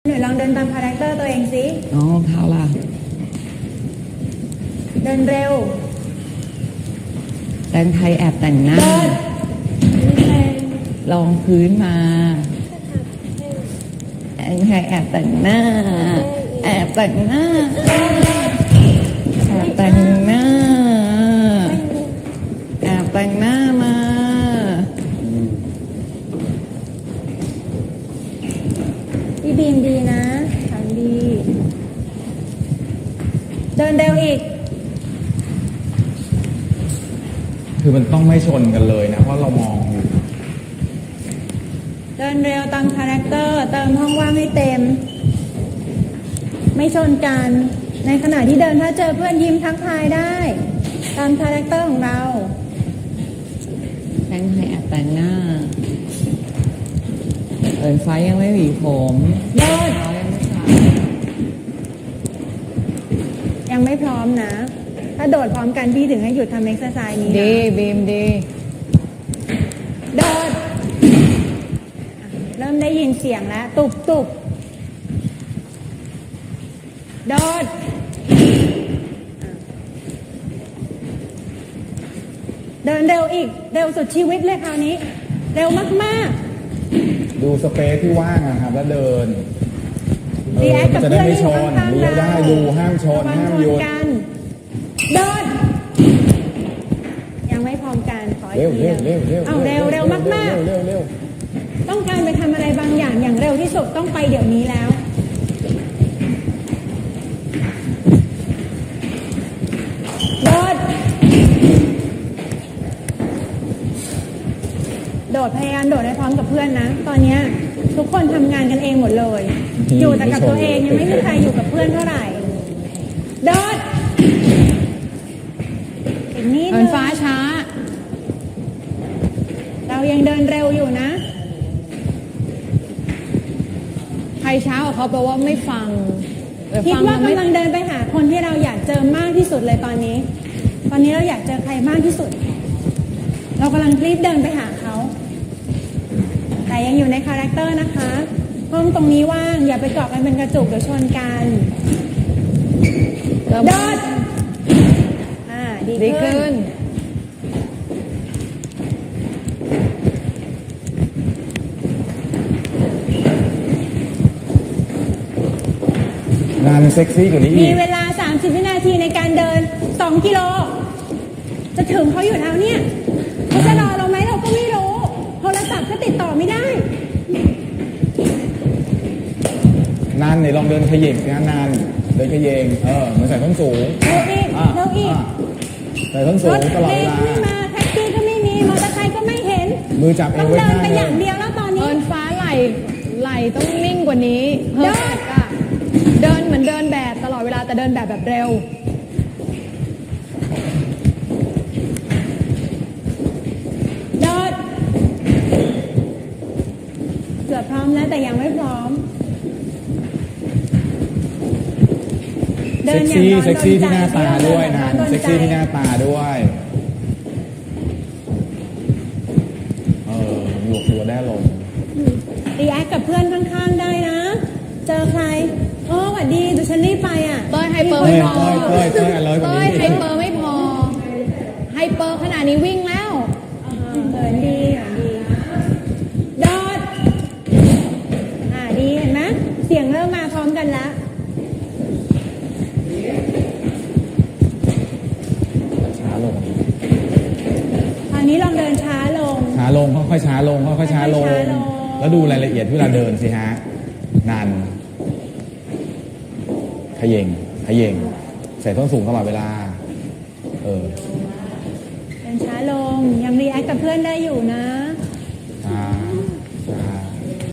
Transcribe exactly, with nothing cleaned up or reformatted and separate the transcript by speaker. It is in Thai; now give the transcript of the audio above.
Speaker 1: หนูลองเดินตามคาแรคเตอร์ตัวเองสิ
Speaker 2: อ๋อเท้าล่ะ
Speaker 1: เดินเร็ว
Speaker 2: แต่งไทยแอบแต่งหน้า
Speaker 1: เดิน
Speaker 2: ลองพื้นมาแต่งไทยแอบแต่งหน้า แอบแต่งหน้า แอบแต่งหน้า แอบแต่งหน้ามา
Speaker 1: พี่บีมดีนะทำดี เดินเร็วอีก
Speaker 3: คือมันต้องไม่ชนกันเลยนะ เพราะเรามองอยู่
Speaker 1: เดินเร็วตามคาแรคเตอร์เติมห้องว่างให้เต็ม ไม่ชนกัน ในขณะที่เดินถ้าเจอเพื่อนยิ้มทักทายได้ ตามคาแรคเตอร์ของเรา
Speaker 2: แต่งไทยแอบแต่งหน้าเอินไฟยังไม่หวีผม
Speaker 1: เลิศ
Speaker 2: เท้ายังไม่สระ
Speaker 1: ยังไม่พร้อมนะ ถ้าโดดพร้อมกันพี่ถึงให้หยุดทำเอ็กซ์ไซส์นี้นะ
Speaker 2: ดีบีมดี
Speaker 1: โดดอ่ะเริ่มได้ยินเสียงแล้ว ตุบตุบโดดอ่ะเดินเร็วอีก เร็วสุดชีวิตเลยคราวนี้ เร็วมาก
Speaker 3: ดูสเปซที่ว่างนะครับ แล้วเดิน
Speaker 1: ๆ
Speaker 3: เอ
Speaker 1: รี
Speaker 3: อ
Speaker 1: แอค
Speaker 3: มั
Speaker 1: กับ
Speaker 3: นจะ
Speaker 1: เพื่
Speaker 3: ได้
Speaker 1: อน
Speaker 3: ไม่ช
Speaker 1: ที่อยู่
Speaker 3: น
Speaker 1: ข้างๆ
Speaker 3: เลี้ยวได้
Speaker 1: เรา
Speaker 3: ดูห้ามชน
Speaker 1: ระวัง
Speaker 3: ห้าม
Speaker 1: ช
Speaker 3: หยุ
Speaker 1: น
Speaker 3: ด
Speaker 1: กันโดดยังไม่พร้อมกันขออี
Speaker 3: เร็ว
Speaker 1: กที
Speaker 3: เร็วเร็วเร็ว
Speaker 1: เอาเร็วเร็วมาก
Speaker 3: เร็วเร็วเร็ว
Speaker 1: ๆ ต้องการไปทำอะไรบางอย่างอย่างเร็วที่สุดต้องไปเดี๋ยวนี้แล้ว โดด โดดพยายามโดดให้พร้อมกับเพื่อนนะ ตอนเนี้ยทุกคนทำงานกันเองหมดเลย อยู่แต่กับตัวเองยังไม่มีใครอยู่กับเพื่อนเท่าไหร่ โดดอีกนิด
Speaker 2: เอิ
Speaker 1: นึ
Speaker 2: น
Speaker 1: ง
Speaker 2: ฟ้าช้า
Speaker 1: เรายังเดินเร็วอยู่นะ
Speaker 2: ใครช้ากว่าเขาแปลว่าไม่ฟังแต่
Speaker 1: คิด
Speaker 2: ฟัง
Speaker 1: ว่า
Speaker 2: ไม่
Speaker 1: กำลังเดินไปหาคนที่เราอยากเจอมากที่สุดเลยตอนนี้ ตอนนี้เราอยากเจอใครมากที่สุด เรากำลังรีบเดินไปหาเขา แต่ยังอยู่ในคาแรคเตอร์นะคะ ห้องตรงนี้ว่างอย่าไปเกาะกันเป็นกระจุกเดี๋ยวชนกัน
Speaker 2: เริ่ม
Speaker 1: โดดอ่าดี
Speaker 2: ดี
Speaker 1: ขึ้
Speaker 2: ขึ้
Speaker 1: น
Speaker 2: น
Speaker 3: งานเซ็กซี่กว่านี้
Speaker 1: มี
Speaker 3: อีก
Speaker 1: เวลา สามสิบ วินาทีในการเดิน สอง กิโล จะถึงเขาอยู่แล้วเนี่ยเขาจะรอเราไหมเราก็ไม่รู้ โทรศัพท์ก็ติดต่อไม่ได้
Speaker 3: นานเนี่ยลองเดินขยิบนะนานเดินขยงเออเหมือนใส่ส้นสูง
Speaker 1: เร็วอีก
Speaker 3: อ่ะ
Speaker 1: เร็วอีก
Speaker 3: อ่ะใส่ส้นสู
Speaker 1: รง ถ
Speaker 3: ตลอด
Speaker 1: เม
Speaker 3: เว
Speaker 1: ล์
Speaker 3: ลา
Speaker 1: ก็ไม่มาแท็กซี่ก็ไม่มีมอเตอร์ไซค์ก็ไม่เห็น
Speaker 3: มือจับเอ
Speaker 1: ต้อ
Speaker 3: ว
Speaker 1: ง
Speaker 3: ไว้
Speaker 1: เดิน
Speaker 3: ข้าง
Speaker 1: ไป
Speaker 3: เล
Speaker 1: อย ย่างเดียวแล้วตอนนี้
Speaker 2: เอินฟ้าไหลไหลต้องนิ่งกว่านี้
Speaker 1: เดิน
Speaker 2: เฮิร์ตอะเดินเหมือนเดินแบบตลอดเวลาแต่เดินแบบแบบเร็ว
Speaker 1: โดดเกือบพร้อมแล้วแต่ยังไม่พร้อม เดิ
Speaker 3: เซ็
Speaker 1: น
Speaker 3: ก
Speaker 1: อย่าง
Speaker 3: ซี่
Speaker 1: ร้อน
Speaker 3: เซ็กซี่
Speaker 1: โด
Speaker 3: ที่หน้าตาด้วย
Speaker 1: เดิ
Speaker 3: นาน
Speaker 1: แบบร้อโด
Speaker 3: เซ็กซี่ที่หน้า
Speaker 1: ใจ
Speaker 3: ตาด้วยเออหลวกตัวได้ลง
Speaker 1: รีแอคกับเพื่อนข้างๆได้นะ เจอใครโอ้สวัสดีดูฉันรีบไปอ่ะ
Speaker 2: เต้ยไฮเปอร์
Speaker 3: เต้
Speaker 2: ไม่
Speaker 3: ย
Speaker 2: พอ
Speaker 3: เต้ยเต้ยเต้ยอร่อยกว่า
Speaker 2: เต้ย
Speaker 3: นี้
Speaker 2: ไฮเปอร์ไม่พอ ไฮเปอร์ขนาดนี้วิ่งแล้ว
Speaker 1: เหินดีเหินดีโดดอ่าดีเห็นไหมเสียงเริ่มมาพร้อมกันแล้ว
Speaker 3: ช้าลง
Speaker 1: ตอนนี้ลองเดินช้าลง
Speaker 3: ช้าลงค่อยๆช้าลงค่อยๆช้าลง
Speaker 1: ค่อยๆช้าลง
Speaker 3: แล้วดูรายละเอียดที่เวลาเดินสิฮะนานขย่งขย่งใส่ส้นสูงตลอดเวลา เออ
Speaker 1: เดินช้าลงยังรีแอคกับเพื่อนได้อยู่นะ